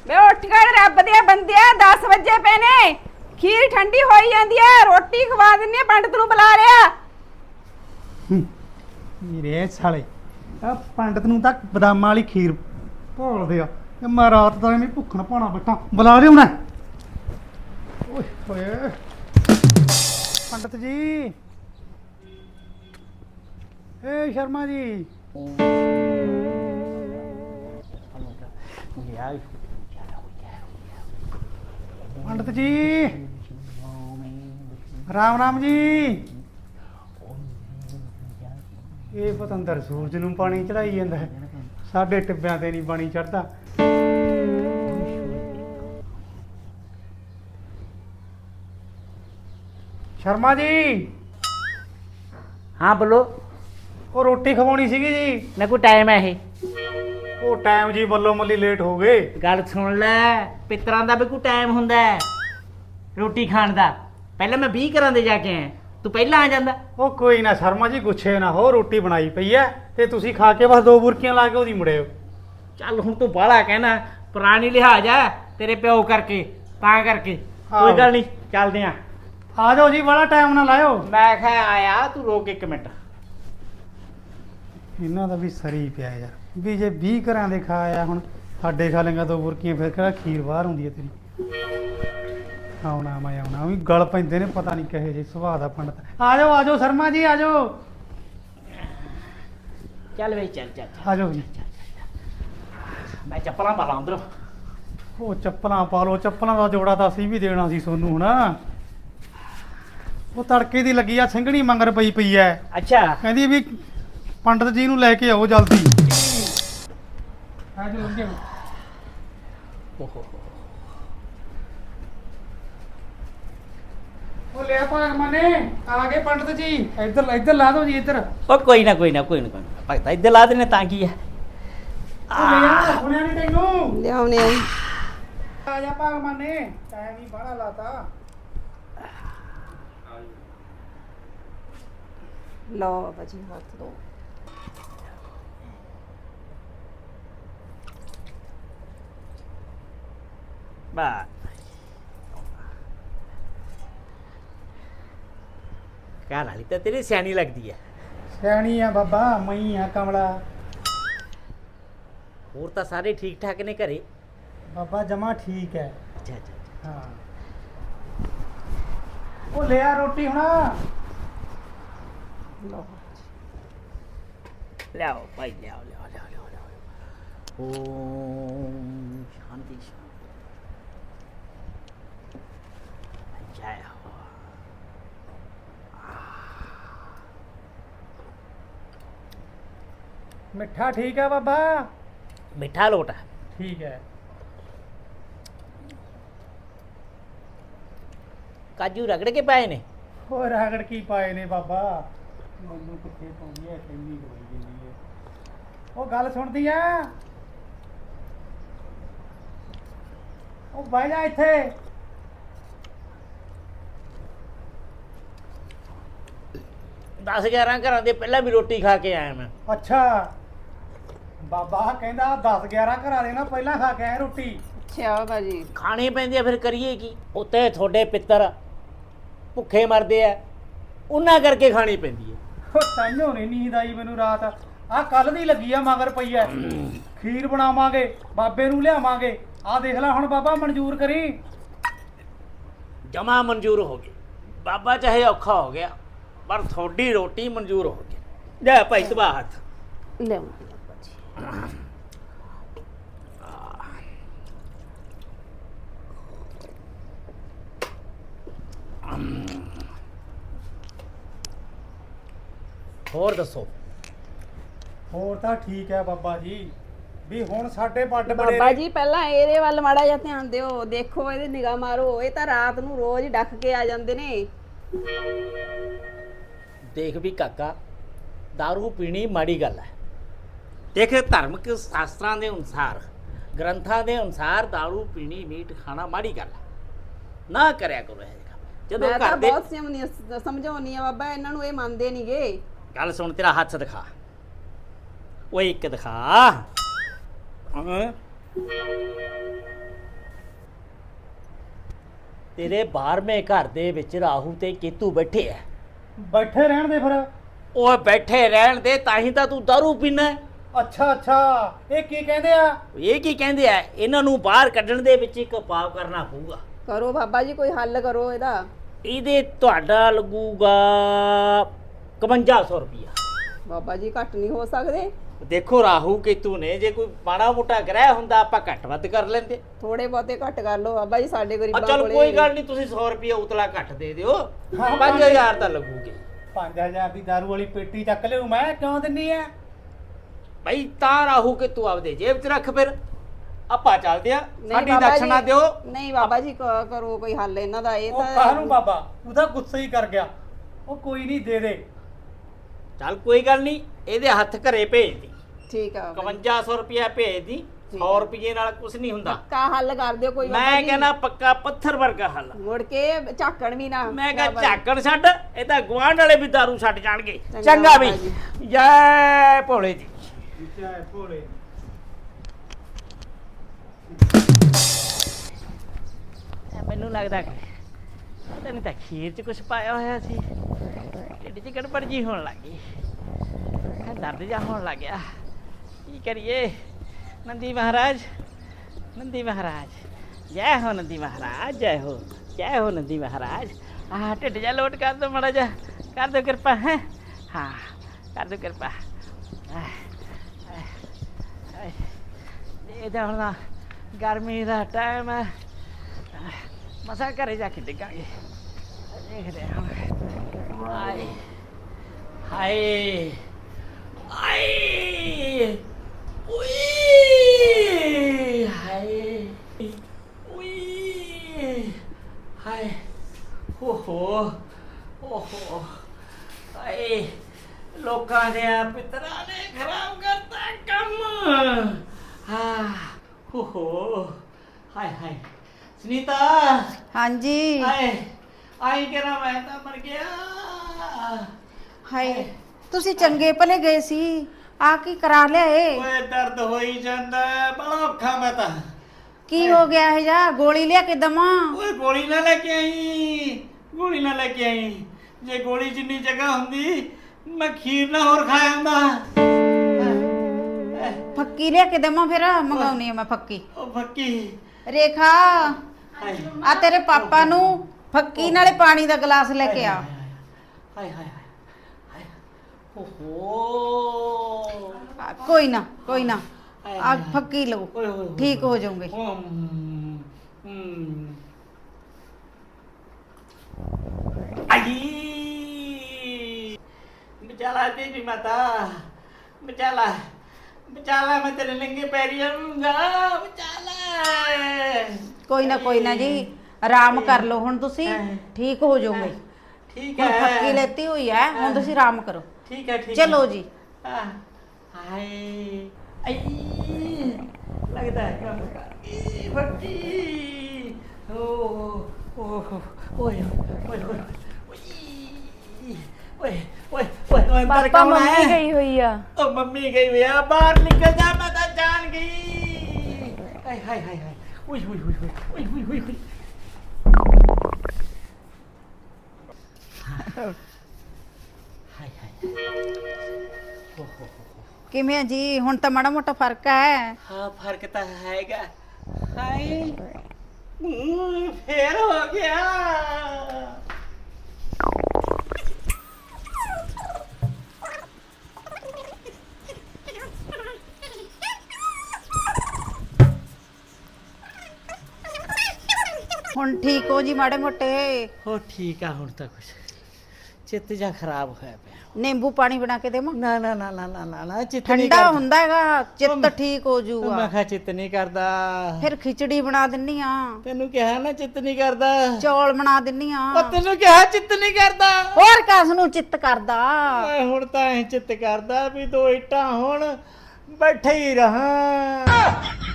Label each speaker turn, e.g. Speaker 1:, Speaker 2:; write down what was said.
Speaker 1: ਵੇ ਉੱਠ ਕੇ ਰੱਬ ਦੇ ਬੰਦਿਆ 10 ਵਜੇ ਪਏ ਨੇ। ਖੀਰ ਠੰਡੀ ਹੋਈ ਜਾਂਦੀ ਐ, ਰੋਟੀ ਖਵਾ ਦਿੰਨੇ, ਪੰਡਤ ਨੂੰ ਬੁਲਾ ਲਿਆ।
Speaker 2: ਮੇਰੇ ਸਾਲੇ ਆ ਪੰਡਤ ਨੂੰ ਤਾਂ ਬਦਾਮਾਂ ਵਾਲੀ ਖੀਰ ਭੋਲਦੇ ਆ ਤੇ ਮੈਂ ਰਾਤ ਦਾ ਐਵੇਂ ਭੁੱਖਣ ਪਾਉਣਾ ਬੈਠਾ। ਬੁਲਾ ਲਿਓ ਨਾ। ਓਏ ਹੋਏ ਪੰਡਤ ਜੀ, ਏ ਸ਼ਰਮਾ ਜੀ, ਪੰਡਤ ਜੀ, ਰਾਮ ਰਾਮ ਜੀ। ਇਹ ਪਤੰਦਰ ਸੂਰਜ ਨੂੰ ਪਾਣੀ ਚੜਾਈ ਜਾਂਦਾ ਹੈ, ਸਾਡੇ ਟਿੱਬਿਆਂ ਤੇ ਨਹੀਂ ਪਾਣੀ ਚੜਦਾ। ਸ਼ਰਮਾ ਜੀ।
Speaker 3: हाँ बोलो।
Speaker 2: ਉਹ ਰੋਟੀ ਖਵਾਉਣੀ ਸੀਗੀ ਜੀ।
Speaker 3: मैं कोई टाइम है ये
Speaker 2: ਉਹ ਟਾਈਮ ਜੀ ਬੱਲੋ ਮੱਲੀ ਲੇਟ ਹੋ ਗਏ।
Speaker 3: गल सुन लै पितरां दा भी कोई टाइम हुंदा है रोटी खाण दा। पहले मैं 20 घरां दे जाके आया, तू पहला आ जांदा।
Speaker 2: ਉਹ ਕੋਈ ਨਾ ਸ਼ਰਮਾ ਜੀ, ਗੁੱਛੇ ਨਾ ਹੋ, ਰੋਟੀ ਬਣਾਈ ਪਈ ਐ ਤੇ ਤੁਸੀਂ ਖਾ ਕੇ ਬਸ 2 ਬੁਰਕੀਆਂ ਲਾ ਕੇ ਉਹਦੀ ਮੁੜਿਓ।
Speaker 3: ਚੱਲ ਹੁਣ ਤੂੰ ਬਾਹਲਾ ਕਹਿਣਾ, ਪੁਰਾਣੀ ਲਿਹਾਜ਼ ਆ ਤੇਰੇ ਪਿਓ ਕਰਕੇ, ਤਾਂ ਕਰਕੇ ਕੋਈ ਗੱਲ ਨਹੀਂ, ਚੱਲਦੇ ਆ।
Speaker 2: ਆ ਜਾਓ ਜੀ, ਬੜਾ ਟਾਈਮ ਨਾ ਲਾਇਓ।
Speaker 3: ਮੈਂ ਕਿਹਾ ਆਇਆ, ਤੂੰ ਰੋਕ 1 ਮਿੰਟ।
Speaker 2: ਇਹਨਾਂ ਦਾ ਵੀ ਸਰੀ ਪਿਆ ਯਾਰ, ਵੀ ਜੇ 20 ਘਰਾਂ ਦੇ ਖਾ ਆਇਆ, ਹੁਣ ਸਾਡੇ ਖਾ ਲੇਗਾ 2 ਬੁਰਕੀਆਂ, ਫਿਰ ਕਿਹੜਾ ਖੀਰ ਬਾਹਰ ਹੁੰਦੀ ਹੈ ਤੇਰੀ। ਆਉਣਾ ਮੈਂ ਆਉਣਾ ਵੀ ਗਲ ਪੈਂਦੇ ਨੇ, ਪਤਾ ਨਹੀਂ ਕਹੇ ਜੇ ਸੁਭਾਅ ਦਾ ਪੰਡਤ। ਆ ਜਾਓ ਸ਼ਰਮਾ ਜੀ, ਆ ਜਾਓ।
Speaker 3: ਚੱਲ ਬਈ ਚੱਲ ਚੱਲ
Speaker 2: ਆ ਜਾਓ ਜੀ।
Speaker 3: ਮੈਂ ਚੱਪਲਾਂ ਪਾ ਲਾਂ ਅੰਦਰ।
Speaker 2: ਉਹ ਚੱਪਲਾਂ ਪਾ ਲਓ, ਚੱਪਲਾਂ ਦਾ ਜੋੜਾ ਤਾਂ ਅਸੀਂ ਵੀ ਦੇਣਾ ਸੀ ਸੋਨੂੰ ਹੁਣ। ਉਹ ਤੜਕੇ ਦੀ ਲੱਗੀ ਆ, ਸਿੰਘਣੀ ਮੰਗਰ ਪਈ ਐ।
Speaker 3: ਅੱਛਾ
Speaker 2: ਕਹਿੰਦੀ ਵੀ ਪੰਡਤ ਜੀ ਨੂੰ ਲੈ ਕੇ ਆਓ ਜਲਦੀ। ਆ ਜਾਓ ਲੰਘੇ। ਉਹ ਲੈ ਭਾਗਮਾਨੇ, ਆ ਗਏ ਪੰਡਤ ਜੀ। ਇੱਧਰ ਲਾ ਦਿਓ ਜੀ, ਇੱਧਰ।
Speaker 3: ਉਹ ਕੋਈ ਨਾ ਭਗਤਾ ਇੱਧਰ ਲਾ ਦੇਣੇ ਤਾਂ ਕੀ ਹੈ।
Speaker 2: ਉਹ ਲੈ ਆ, ਸੁਣਿਆ ਨਹੀਂ ਤੈਨੂੰ?
Speaker 1: ਲਿਆਉਣੇ
Speaker 2: ਆ ਜਾ ਭਾਗਮਾਨੇ, ਟਾਈਮ ਹੀ ਬਾਹਲਾ ਲਾਤਾ।
Speaker 1: ਲਓ ਬਾਬਾ ਜੀ, ਹੱਥ ਦੋ।
Speaker 3: ਬਸ ਘਰ ਵਾਲੀ ਤਾਂ ਤੇਰੀ ਸਿਆਣੀ ਲੱਗਦੀ ਹੈ।
Speaker 2: ਸਿਆਣੀ ਆ ਬਾਬਾ, ਮਈ ਆ ਕਮਲਾ।
Speaker 3: ਹੋਰ ਤਾਂ ਸਾਰੇ ਠੀਕ ਠਾਕ ਨੇ ਘਰੇ?
Speaker 2: ਬਾਬਾ ਜਮਾ ਠੀਕ ਹੈ।
Speaker 3: ਅੱਛਾ ਅੱਛਾ
Speaker 2: ਹਾਂ। ਉਹ ਲਿਆ ਰੋਟੀ ਹੁਣ।
Speaker 1: ਲਓ
Speaker 3: ਲਿਆਓ ਭਾਈ, ਲਿਆਓ। ਓਮ ਸ਼ਾਂਤੀ ਜੈ ਹੋ।
Speaker 2: ਮਿੱਠਾ ਠੀਕ ਹੈ ਬਾਬਾ?
Speaker 3: ਮਿੱਠਾ ਲੋਟਾ
Speaker 2: ਠੀਕ ਹੈ।
Speaker 3: ਕਾਜੂ ਰਗੜ ਕੇ ਪਾਏ ਨੇ।
Speaker 2: ਹੋਰ ਰਗੜ ਕੀ ਪਾਏ ਨੇ ਬਾਬਾ? ਮੈਨੂੰ ਕਿੱਥੇ ਪਾਉਂਦੀ ਐ, ਕਿੰਨੀ ਹੋਈ ਜਾਂਦੀ ਹੈ। ਉਹ ਗੱਲ ਸੁਣਦੀ ਆ? ਉਹ ਬਹਿ ਜਾ ਇੱਥੇ।
Speaker 3: 10-11 ਘਰਾਂ ਦੇ ਪਹਿਲਾਂ ਵੀ ਰੋਟੀ ਖਾ ਕੇ ਆਇਆ ਮੈਂ।
Speaker 2: ਅੱਛਾ, ਬਾਬਾ ਕਹਿੰਦਾ 10-11 ਘਰਾਂ ਦੇ ਨਾ ਪਹਿਲਾਂ ਖਾ ਕੇ ਆਏ ਰੋਟੀ।
Speaker 1: ਅੱਛਾ ਬਾਬਾ ਜੀ,
Speaker 3: ਖਾਣੀ ਪੈਂਦੀ ਆ, ਫਿਰ ਕਰੀਏ ਕੀ? ਉੱਤੇ ਤੁਹਾਡੇ ਪਿੱਤਰ ਭੁੱਖੇ ਮਰਦੇ ਆ, ਉਹਨਾਂ ਕਰਕੇ ਖਾਣੀ ਪੈਂਦੀ ਹੈ।
Speaker 2: ਉਹ ਤਾਈਓ ਨਹੀਂ ਨੀਂਦ ਆਈ ਮੈਨੂੰ ਰਾਤ। ਆਹ ਕੱਲ ਦੀ ਲੱਗੀ ਆ, ਮਗਰ ਪਈ ਐ। ਖੀਰ ਬਣਾਵਾਂਗੇ, ਬਾਬੇ ਨੂੰ ਲਿਆਵਾਂਗੇ। ਆਹ ਦੇਖ ਲੈ ਹੁਣ ਬਾਬਾ, ਮਨਜ਼ੂਰ ਕਰੀ।
Speaker 3: ਜਮਾ ਮਨਜ਼ੂਰ ਹੋ ਗਈ ਬਾਬਾ, ਚਾਹੇ ਔਖਾ ਹੋ ਗਿਆ ਪਰ ਤੁਹਾਡੀ ਰੋਟੀ ਮਨਜ਼ੂਰ ਹੋ ਗਈ। ਜਾ ਭਾਈ ਤਬਾ ਹੱਥ
Speaker 1: ਲਿਆਉਣੇ ਬਾਬਾ ਜੀ।
Speaker 3: ਹੋਰ ਦੱਸੋ?
Speaker 2: ਹੋਰ ਤਾਂ ਠੀਕ ਹੈ ਬਾਬਾ ਜੀ, ਵੀ ਹੁਣ ਸਾਡੇ ਵੱਡ
Speaker 1: ਬਾਬਾ
Speaker 2: ਬੜੇ
Speaker 1: ਜੀ ਪਹਿਲਾਂ ਇਹਦੇ ਵੱਲ ਮਾੜਾ ਜਿਹਾ ਧਿਆਨ ਦਿਓ, ਦੇਖੋ ਇਹਦੀ ਨਿਗਾਹ ਮਾਰੋ। ਇਹ ਤਾਂ ਰਾਤ ਨੂੰ ਰੋਜ਼ ਡੱਕ ਕੇ ਆ ਜਾਂਦੇ ਨੇ।
Speaker 3: ਦੇਖ ਵੀ ਕਾਕਾ, दारू ਪੀਣੀ ਮਾੜੀ ਗੱਲ ਹੈ। ਦੇਖ ਧਾਰਮਿਕ ਸ਼ਾਸਤਰਾਂ ਦੇ ਅਨੁਸਾਰ, ਗ੍ਰੰਥਾਂ ਦੇ ਅਨੁਸਾਰ दारू ਪੀਣੀ, ਮੀਟ ਖਾਣਾ ਮਾੜੀ ਗੱਲ ਹੈ, ਨਾ ਕਰਿਆ ਕਰੋ ਇਹ ਕੰਮ। ਜਦੋਂ
Speaker 1: ਮੈਂ ਤਾਂ
Speaker 3: ਘਰ ਦੇ
Speaker 1: ਬਹੁਤ ਸਮਝਾਉਣੀ ਆ ਬਾਬਾ, ਇਹਨਾਂ ਨੂੰ ਇਹ ਮੰਨਦੇ ਨਹੀਂਗੇ।
Speaker 3: ਗੱਲ ਸੁਣ, ਤੇਰਾ ਹੱਥ ਦਿਖਾ। ਉਹ ਇੱਕ ਦਿਖਾ। ਤੇਰੇ 12ਵੇਂ ਘਰ ਦੇ ਵਿੱਚ ਰਾਹੂ ਤੇ ਕੇਤੂ ਬੈਠੇ ਆ।
Speaker 2: ਬੈਠੇ ਰਹਿਣ ਦੇ ਫਿਰ।
Speaker 3: ਉਹ ਬੈਠੇ ਰਹਿਣ ਦੇ, ਤਾਂ ਹੀ ਤਾਂ ਤੂੰ ਦਾਰੂ ਪੀਣਾ।
Speaker 2: ਅੱਛਾ ਅੱਛਾ, ਇਹ ਕੀ ਕਹਿੰਦੇ ਆ?
Speaker 3: ਇਹ ਕੀ ਕਹਿੰਦੇ ਆ? ਇਹਨਾਂ ਨੂੰ ਬਾਹਰ ਕੱਢਣ ਦੇ ਵਿੱਚ ਇੱਕ ਉਪਾਅ ਕਰਨਾ ਪਊਗਾ।
Speaker 1: ਕਰੋ ਬਾਬਾ ਜੀ, ਕੋਈ ਹੱਲ ਕਰੋ ਇਹਦਾ।
Speaker 3: ਇਹਦੇ ਤੁਹਾਡਾ ਲੱਗੂਗਾ 5100 ਰੁਪਇਆ।
Speaker 1: ਬਾਬਾ ਜੀ ਘੱਟ ਨਹੀਂ ਹੋ ਸਕਦੇ?
Speaker 3: ਦੇਖੋ ਰਾਹੂ ਕੇਤੂ ਨੇ, ਜੇ ਕੋਈ ਮਾੜਾ ਮੋਟਾ ਗ੍ਰਹਿ ਹੁੰਦਾ ਆਪਾਂ ਘੱਟ ਵੱਧ ਕਰ ਲੈਂਦੇ।
Speaker 1: ਥੋੜੇ ਬਹੁਤੇ ਘੱਟ ਕਰ ਲਓ ਬਾਬਾ ਜੀ, ਸਾਡੇ ਗਰੀਬਾਂ
Speaker 3: ਚਲ
Speaker 1: ਕੋਲੇ।
Speaker 3: ਕੋਈ ਗੱਲ ਨਹੀਂ, ਤੁਸੀਂ 100 ਰੁਪਇਆ ਉਤਲਾ ਘੱਟ ਦੇ ਦਿਓ। 5000 ਤਾਂ ਲੱਗੂਗੇ।
Speaker 2: 5000 ਦੀ ਦਾਰੂ ਵਾਲੀ ਪੇਟੀ ਚੱਕ ਲਿਓ, ਮੈਂ ਕਿਉਂ ਦਿੰਨੀ ਆ?
Speaker 3: ਭਾਈ ਤਾਂ ਰਾਹੂ ਕੇਤੂ ਆਪਦੇ ਜੇਬ 'ਚ ਰੱਖ, ਫਿਰ ਆਪਾਂ ਚੱਲਦੇ ਆ।
Speaker 1: ਨਹੀਂ
Speaker 3: ਸਾਡੀ
Speaker 1: ਬਾਬਾ
Speaker 3: ਦਕਸ਼ਨਾ
Speaker 1: ਜੀ,
Speaker 3: ਦਿਓ।
Speaker 1: ਨਹੀਂ ਬਾਬਾ ਜੀ ਕਰੋ ਕੋਈ ਹੱਲ ਇਹਨਾਂ ਦਾ। ਇਹ
Speaker 2: ਉਹ
Speaker 1: ਤਾਂ
Speaker 2: ਕਾਹਨੂੰ ਬਾਬਾ, ਤੂੰ ਤਾਂ ਗੁੱਸਾ ਹੀ ਕਰ ਗਿਆ। ਉਹ ਕੋਈ ਨਹੀਂ, ਦੇ ਦੇ।
Speaker 3: ਚੱਲ ਕੋਈ ਗੱਲ ਨਹੀਂ, ਇਹਦੇ ਹੱਥ ਘਰੇ ਭੇਜ ਦੀ।
Speaker 1: ਠੀਕ ਆ ਬਾਬਾ ਜੀ।
Speaker 3: 5100 ਰੁਪਇਆ ਭੇਜ ਦੀ। 100 ਰੁਪਏ ਨਾਲ ਕੁਝ ਨਹੀਂ ਹੁੰਦਾ।
Speaker 1: ਪੱਕਾ ਹੱਲ ਕਰ ਦਿਓ ਕੋਈ ਬਾਬਾ
Speaker 3: ਮੈਂ
Speaker 1: ਜੀ।
Speaker 3: ਕਹਿੰਦਾ ਪੱਕਾ ਪੱਥਰ ਵਰਗਾ ਹੱਲ।
Speaker 1: ਮੁੜ ਕੇ ਝਾਕਣ ਵੀ ਨਾ।
Speaker 3: ਮੈਂ ਕਿਹਾ
Speaker 1: ਬਾਬਾ ਜੀ।
Speaker 3: ਝਾਕਣ ਛੱਡ, ਇਹ ਤਾਂ ਗੁਆਂਢ ਵਾਲੇ ਵੀ ਦਾਰੂ ਛੱਡ ਜਾਣਗੇ।
Speaker 1: ਚੰਗਾ
Speaker 3: ਚੰਗਾ ਵੀ,
Speaker 1: ਬਾਬਾ ਜੀ।
Speaker 3: ਜੈ ਭੋਲੇ ਜੀ।
Speaker 2: ਜੈ ਭੋਲੇ।
Speaker 3: ਮੈਨੂੰ ਲੱਗਦਾ ਕਿ ਪਤਾ ਨਹੀਂ ਤਾਂ ਖੀਰ 'ਚ ਕੁਝ ਪਾਇਆ ਹੋਇਆ ਸੀ। ਢਿੱਡ 'ਚ ਗੜਬੜ ਜੀ ਹੋਣ ਲੱਗ ਗਈ, ਦਰਦ ਜਿਹਾ ਹੋਣ ਲੱਗ ਗਿਆ। ਕੀ ਕਰੀਏ? ਨੰਦੀ ਮਹਾਰਾਜ, ਨੰਦੀ ਮਹਾਰਾਜ, ਜੈ ਹੋ ਨੰਦੀ ਮਹਾਰਾਜ, ਜੈ ਹੋ, ਜੈ ਹੋ ਨੰਦੀ ਮਹਾਰਾਜ। ਆਹ ਢਿੱਡ ਜਿਹਾ ਲੋਟ ਕਰ ਦਿਓ ਮਾੜਾ ਜਿਹਾ, ਕਰ ਦਿਓ ਕਿਰਪਾ। ਹੈ ਹਾਂ, ਕਰ ਦਿਓ ਕਿਰਪਾ। ਇਹਦਾ ਹੁਣ ਗਰਮੀ ਦਾ ਟਾਈਮ ਹੈ, ਮਸਾਂ ਘਰੇ ਜਾ ਕੇ ਡਿੱਗਾਂਗੇ। ਦੇਖਦੇ ਹਾਂ। ਹਾਏ ਹਾਏ ਹਾਏ, ਉਈ ਹਾਏ, ਉਈ ਹਾਏ, ਹੋ ਓਹੋ ਹਾਏ, ਲੋਕਾਂ ਦੇ ਪਿੱਤਰਾਂ ਨੇ ਖਰਾਬ ਕਰਤਾ ਕੰਮ। ਹਾਂ ਹੋ ਹਾਏ ਹਾਏ। ਸੁਨੀਤਾ,
Speaker 4: ਹਾਂਜੀ।
Speaker 3: ਹਾਏ ਆਈ ਕਿਹੜਾ, ਮੈਂ ਤਾਂ ਮਰ ਗਿਆ।
Speaker 4: ਹਾਏ, ਤੁਸੀਂ ਚੰਗੇ ਭਲੇ ਗਏ ਸੀ, ਆ ਕੀ ਕਰਾ ਲਿਆਏ?
Speaker 3: ਓਏ ਦਰਦ ਹੋਈ ਜਾਂਦਾ ਹੈ, ਬੜਾ ਔਖਾ ਮੈਂ ਤਾਂ।
Speaker 4: ਕੀ ਹੋ ਗਿਆ ਹੈ ਜਾ? ਗੋਲੀ ਲਿਆ ਕੇ ਦਵਾਂ?
Speaker 3: ਓਏ ਗੋਲੀ ਨਾ ਲੈ ਕੇ ਆਈ, ਗੋਲੀ ਨਾ ਲੈ ਕੇ ਆਈ। ਜੇ ਗੋਲੀ ਜਿੰਨੀ ਜਗ੍ਹਾ ਹੁੰਦੀ ਮੈਂ ਖੀਰ ਨਾ ਹੋਰ ਖਾਇਆ ਹੁੰਦਾ।
Speaker 4: ਫੱਕੀ ਲਿਆ ਕੇ ਦਵਾਂ? ਫਿਰ ਮੰਗਾਉਣੀ ਆ ਮੈਂ ਫੱਕੀ।
Speaker 3: ਉਹ ਫੱਕੀ।
Speaker 4: ਰੇਖਾ,
Speaker 3: ਹਾਏ
Speaker 4: ਆ ਤੇਰੇ ਪਾਪਾ ਨੂੰ ਫੱਕੀ ਨਾਲੇ ਪਾਣੀ ਦਾ ਗਲਾਸ ਲੈ ਕੇ ਆ।
Speaker 3: ਹਾਏ ਹਾਏ ਹਾਏ, ਓਹੋ।
Speaker 4: ਕੋਈ ਨਾ ਕੋਈ ਨਾ, ਆ ਫੱਕੀ ਲਓ,
Speaker 3: ਓਏ ਹੋਏ,
Speaker 4: ਠੀਕ ਹੋ ਜਾਓਗੇ।
Speaker 3: ਆਈ ਬਚਾਲਾ ਦੇਵੀ ਮਾਤਾ, ਬਚਾਲਾ, ਬਚਾਲਾ, ਮੈਂ ਤੇਰੇ ਨੰਗੇ ਪੈਰੀ ਆਉਂਗਾ। ਬਚਾਲਾ।
Speaker 4: ਕੋਈ ਨਾ ਜੀ, ਆਰਾਮ ਕਰ ਲਓ ਹੁਣ ਤੁਸੀਂ, ਠੀਕ ਹੋ ਜਾਓਗੇ।
Speaker 3: ਠੀਕ
Speaker 4: ਹੁਣ
Speaker 3: ਹੈ,
Speaker 4: ਫੱਕੀ ਲੈਤੀ ਹੋਈ ਹੈ, ਹੁਣ ਤੁਸੀਂ ਆਰਾਮ ਕਰੋ।
Speaker 3: ਠੀਕ ਹੈ, ਠੀਕ
Speaker 4: ਚਲੋ ਜੀ।
Speaker 3: ਹਾਏ ਆਈ, ਲੱਗਦਾ ਹੈ ਕੰਮ ਕਰ ਗਈ ਫੱਕੀ। ਓ ਓਏ ਓਏ ਓਏ ਓਏ ਓਏ ਓਏ, ਅੰਦਰ ਕੌਣ ਹੈ?
Speaker 5: ਮੰਮੀ ਗਈ ਹੋਈ ਆ।
Speaker 3: ਉਹ ਮੰਮੀ ਗਈ ਹੋਈ ਆ, ਬਾਹਰ ਨਿਕਲ ਜਾ, ਮੈਂ ਤਾਂ ਜਾਣ ਗਈ। ਹਾਏ ਹਾਏ ਹਾਏ ਹਾਏ, ਓਏ ਓਏ ਓਏ ਓਏ ਓਏ ਓਏ ਓਏ। ਹਾਏ ਹਾਏ, ਓ ਹੋ।
Speaker 4: ਕਿਵੇਂ ਜੀ? ਹੁਣ ਤਾਂ ਮਾੜਾ ਮੋਟਾ ਫਰਕ ਹੈ।
Speaker 3: ਹਾਂ ਫਰਕ ਤਾਂ ਹੈਗਾ। ਹਾਏ ਫੇਰ ਹੋ ਗਿਆ।
Speaker 4: ਹੁਣ ਠੀਕ ਹੋ ਜੀ ਮਾੜੇ ਮੋਟੇ?
Speaker 3: ਹੋ ਠੀਕ ਆ, ਹੁਣ ਤਾਂ ਕੁਛ ਚਿੱਤ ਜਾ ਖਰਾਬ ਹੋਇਆ ਪਿਆ।
Speaker 4: ਨਿੰਬੂ ਪਾਣੀ ਬਣਾ ਕੇ ਦੇਵਾਂ?
Speaker 3: ਨਾ ਨਾ ਨਾ ਨਾ ਨਾ ਨਾ ਨਾ, ਚਿੱਤ ਨਹੀਂ
Speaker 4: ਠੰਡਾ
Speaker 3: ਕਰਦਾ।
Speaker 4: ਹੁੰਦਾ ਹੈਗਾ, ਚਿੱਤ ਠੀਕ ਹੋ
Speaker 3: ਮੈਂ
Speaker 4: ਜਾਊਗਾ।
Speaker 3: ਕਿਹਾ ਚਿੱਤ ਨਹੀਂ ਕਰਦਾ।
Speaker 4: ਫਿਰ ਖਿਚੜੀ ਬਣਾ ਦਿੰਨੀ ਆ,
Speaker 3: ਤੈਨੂੰ ਕਿਹਾ ਨਾ ਚਿੱਤ ਨਹੀਂ ਕਰਦਾ।
Speaker 4: ਚੌਲ ਬਣਾ ਦਿੰਨੀ ਆ।
Speaker 3: ਉਹ ਤੈਨੂੰ ਕਿਹਾ ਚਿੱਤ ਨਹੀਂ ਕਰਦਾ।
Speaker 4: ਹੋਰ ਕਿਸ ਨੂੰ ਚਿੱਤ ਕਰਦਾ?
Speaker 3: ਓਏ ਹੁਣ ਤਾਂ ਐ ਚਿੱਤ ਕਰਦਾ ਵੀ ਦੋ ਇੱਟਾਂ ਹੁਣ ਬੈਠੇ ਹੀ ਰਹਾਂ।